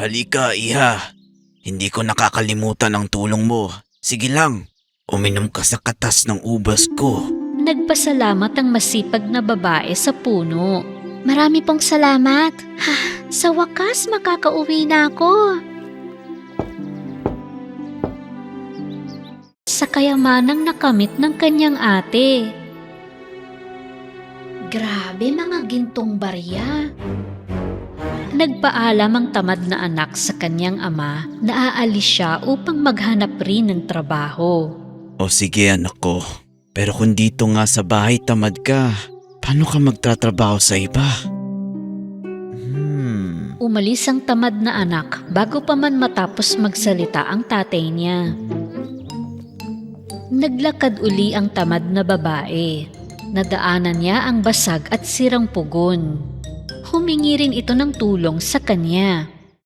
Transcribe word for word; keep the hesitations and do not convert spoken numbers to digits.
Halika, iha. Hindi ko nakakalimutan ang tulong mo. Sige lang, uminom ka sa katas ng ubas ko. Nagpasalamat ang masipag na babae sa puno. Marami pong salamat. Ha, sa wakas makakauwi na ako. Sa kayamanang nakamit ng kanyang ate. Grabe mga gintong barya. Nagpaalam ang tamad na anak sa kanyang ama na aalis siya upang maghanap rin ng trabaho. O sige anak ko, pero kung dito nga sa bahay tamad ka, paano ka magtatrabaho sa iba? Hmm. Umalis ang tamad na anak bago pa man matapos magsalita ang tatay niya. Naglakad uli ang tamad na babae. Nadaanan niya ang basag at sirang pugon. Humingi rin ito ng tulong sa kanya.